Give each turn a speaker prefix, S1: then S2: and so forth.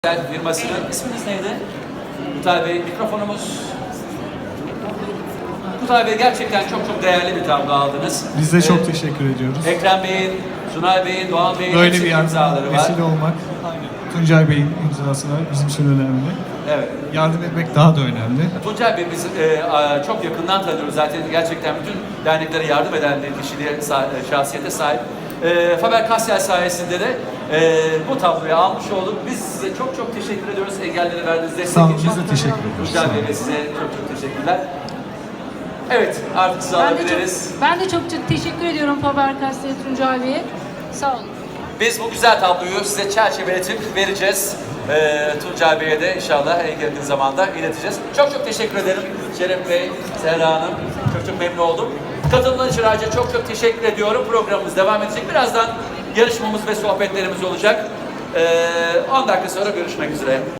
S1: Firmasının isminiz neydi? Kutay Bey, mikrofonumuz. Kutay Bey, gerçekten çok değerli bir tablo aldınız.
S2: Biz de çok teşekkür ediyoruz.
S1: Ekrem Bey'in, Sunay Bey'in, Doğan Bey'in
S2: Böyle
S1: hepsinin
S2: bir
S1: imzaları var.
S2: vesile olmak, Tuncay Bey'in imzası var, bizim için önemli.
S1: Evet.
S2: Yardım etmek daha da önemli.
S1: Tuncay Bey biz çok yakından tanıyoruz zaten, gerçekten bütün derneklere yardım eden bir kişiliğe, şahsiyete sahip. Faber-Castell sayesinde de bu tabloyu almış olduk. Biz size çok teşekkür ediyoruz engellere verdiğiniz destek
S2: Sağ olun,
S1: için.
S2: biz de teşekkür ediyoruz.
S1: Tuncay Bey ve size çok teşekkürler. Evet, artık sizi alabiliriz.
S3: Ben de çok teşekkür ediyorum Faber-Castell Tuncay Bey'e. Sağ olun.
S1: Biz bu güzel tabloyu size çerçeveletip vereceğiz. Tuncay Bey'e de inşallah en yakın zamanda ileteceğiz. Çok teşekkür ederim Şeref Bey, Serra Hanım. Çok memnun oldum. Katıldığınız için ayrıca çok teşekkür ediyorum. Programımız devam edecek. Birazdan yarışmamız ve sohbetlerimiz olacak. 10 dakika sonra görüşmek üzere.